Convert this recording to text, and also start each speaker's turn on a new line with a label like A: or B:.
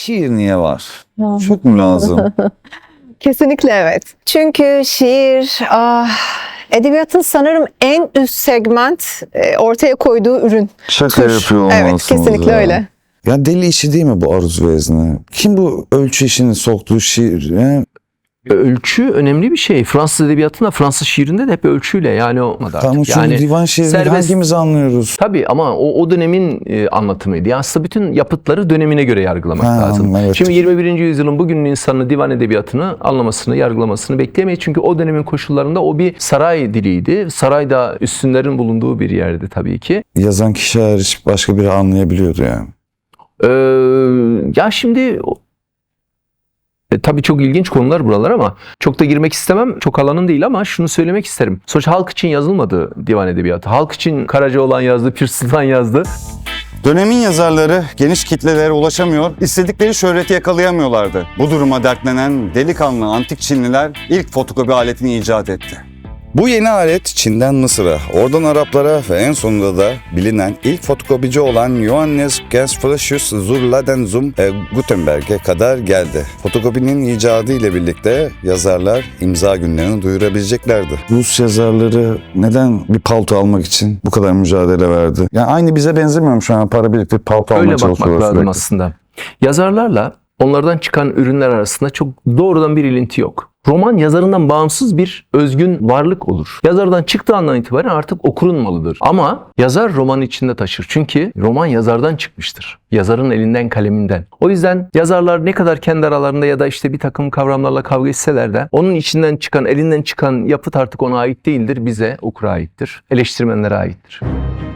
A: şiir niye var? Çok mu lazım?
B: Kesinlikle evet. Çünkü şiir edebiyatın sanırım en üst segment ortaya koyduğu ürün.
A: Şaka
B: Tür.
A: yapıyor
B: Evet,
A: olmalısınız
B: kesinlikle
A: ya.
B: öyle.
A: Ya deli işi değil mi bu aruz vezne? Kim bu ölçü işini soktuğu şiir? Ya?
C: Ölçü önemli bir şey. Fransız edebiyatında, Fransız şiirinde de hep ölçüyle yani o
A: Tamam, çünkü divan şiirini
C: serbest-
A: hangimiz anlıyoruz?
C: Tabii ama o dönemin anlatımıydı. Yani aslında bütün yapıtları dönemine göre yargılamak lazım.
A: Evet.
C: Şimdi 21. yüzyılın bugünün insanı divan edebiyatını anlamasını, yargılamasını bekleyemeyiz. Çünkü o dönemin koşullarında o bir saray diliydi. Sarayda üstünlerin bulunduğu bir yerdi tabii ki.
A: Yazan kişi hariç başka biri anlayabiliyordu yani.
C: Ya şimdi tabii çok ilginç konular buralar ama çok da girmek istemem. Çok alanın değil ama şunu söylemek isterim. Sonuçta halk için yazılmadı divan edebiyatı. Halk için Karacaoğlan yazdı, Pir Sultan yazdı.
D: Dönemin yazarları geniş kitlelere ulaşamıyor, istedikleri şöhreti yakalayamıyorlardı. Bu duruma dertlenen delikanlı antik Çinliler ilk fotokopi aletini icat etti.
A: Bu yeni alet Çin'den Mısır'a, oradan Araplara ve en sonunda da bilinen ilk fotokopici olan Johannes Gersflacius zur Ladenzum Gutenberg'e kadar geldi. Fotokopinin icadı ile birlikte yazarlar imza günlerini duyurabileceklerdi. Rus yazarları neden bir palto almak için bu kadar mücadele verdi? Yani aynı bize benzemiyor mu şu an, para biriktirip palto almaya
C: Öyle bakmak
A: çalışıyorlar
C: lazım
A: sürekli?
C: aslında. Yazarlarla onlardan çıkan ürünler arasında çok doğrudan bir ilinti yok. Roman yazarından bağımsız bir özgün varlık olur. Yazardan çıktığı andan itibaren artık okurun malıdır. Ama yazar romanı içinde taşır. Çünkü roman yazardan çıkmıştır. Yazarın elinden, kaleminden. O yüzden yazarlar ne kadar kendi aralarında ya da işte bir takım kavramlarla kavga etseler de onun içinden çıkan, elinden çıkan yapıt artık ona ait değildir. Bize, okura aittir. Eleştirmenlere aittir.